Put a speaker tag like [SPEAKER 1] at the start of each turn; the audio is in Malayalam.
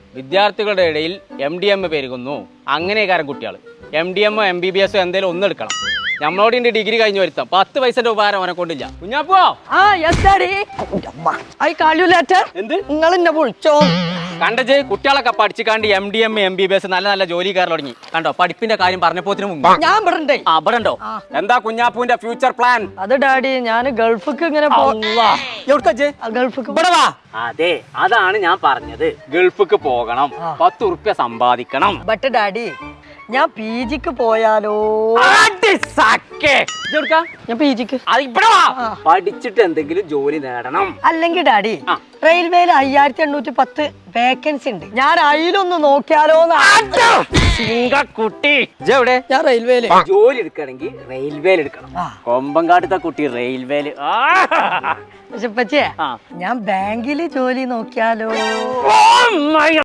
[SPEAKER 1] വിദ്യാർത്ഥികളുടെ ഇടയിൽ MDM പെരുകുന്നു. അങ്ങനെ കാരണം കുട്ടികൾ MDM MBBS എന്തെങ്കിലും ഒന്നെടുക്കണം. നമ്മളോട് ഇന്റെ ഡിഗ്രി കഴിഞ്ഞു വരുത്താം 10 പൈസന്റെ ഉപകാരം അവനെ കൊണ്ടില്ല. കുഞ്ഞാപ്പോ എന്ത്
[SPEAKER 2] നിങ്ങൾ എന്നെ വിളിച്ചോ
[SPEAKER 1] കണ്ടജ് കുട്ടികളൊക്കെ പഠിച്ചിക്കാണ്ട് MDM MBBS നല്ല നല്ല ജോലിക്കാർ തുടങ്ങി കണ്ടോ. പഠിപ്പിന്റെ കാര്യം പറഞ്ഞപ്പോത്തിന് മുമ്പ്
[SPEAKER 2] ഞാൻ ഇവിടെ
[SPEAKER 1] അവിടെണ്ടോ. എന്താ കുഞ്ഞാപ്പൂന്റെ ഫ്യൂച്ചർ പ്ലാൻ?
[SPEAKER 2] അത് ഡാഡി ഞാൻ ഗൾഫിക്ക് ഇങ്ങനെ ഗൾഫിക്ക്
[SPEAKER 1] അതെ അതാണ് ഞാൻ പറഞ്ഞത്. ഗൾഫിക്ക് പോകണം, 10 ഉറുപ്യ സമ്പാദിക്കണം.
[SPEAKER 2] ബട്ട് ഡാഡി ഞാൻ PGക്ക് പോയാലോ? ഞാൻ PGക്ക്
[SPEAKER 1] പഠിച്ചിട്ട് എന്തെങ്കിലും ജോലി നേടണം.
[SPEAKER 2] അല്ലെങ്കിൽ ഡാഡി റെയിൽവേയിൽ 5810 വേക്കൻസി ഉണ്ട്. ഞാൻ അതിലൊന്ന് നോക്കിയാലോ?
[SPEAKER 1] കുട്ടി എവിടെ?
[SPEAKER 2] ഞാൻ റെയിൽവേയില്
[SPEAKER 1] ജോലി എടുക്കണമെങ്കിൽ റെയിൽവേയിൽ എടുക്കണം. കൊമ്പങ്കാട്ടത്തെ കുട്ടി റെയിൽവേയില്.
[SPEAKER 2] പക്ഷെ ഞാൻ ബാങ്കില് ജോലി നോക്കിയാലോ?